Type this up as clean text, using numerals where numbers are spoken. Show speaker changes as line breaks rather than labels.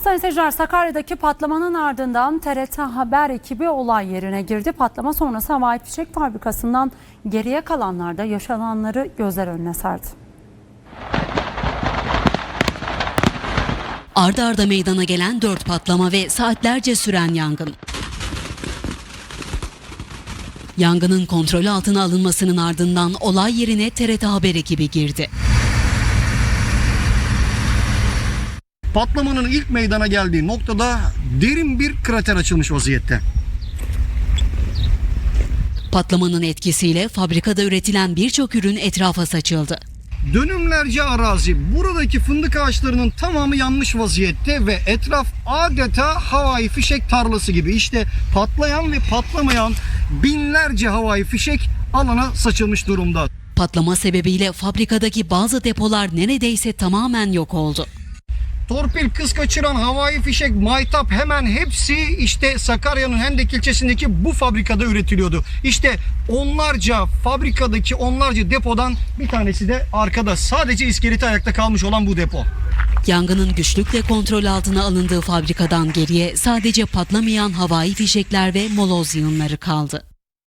Sayın seyirciler, Sakarya'daki patlamanın ardından TRT Haber ekibi olay yerine girdi. Patlama sonrası havai fişek fabrikasından geriye kalanlar da yaşananları gözler önüne serdi.
Arda arda meydana gelen 4 patlama ve saatlerce süren yangın. Yangının kontrol altına alınmasının ardından olay yerine TRT Haber ekibi girdi.
Patlamanın ilk meydana geldiği noktada derin bir krater açılmış vaziyette.
Patlamanın etkisiyle fabrikada üretilen birçok ürün etrafa saçıldı.
Dönümlerce arazi, buradaki fındık ağaçlarının tamamı yanmış vaziyette ve etraf adeta havai fişek tarlası gibi. İşte patlayan ve patlamayan binlerce havai fişek alana saçılmış durumda.
Patlama sebebiyle fabrikadaki bazı depolar neredeyse tamamen yok oldu.
Torpil, kız kaçıran, havai fişek, maytap, hemen hepsi işte Sakarya'nın Hendek ilçesindeki bu fabrikada üretiliyordu. İşte fabrikadaki onlarca depodan bir tanesi de arkada. Sadece iskeleti ayakta kalmış olan bu depo.
Yangının güçlükle kontrol altına alındığı fabrikadan geriye sadece patlamayan havai fişekler ve moloz yığınları kaldı.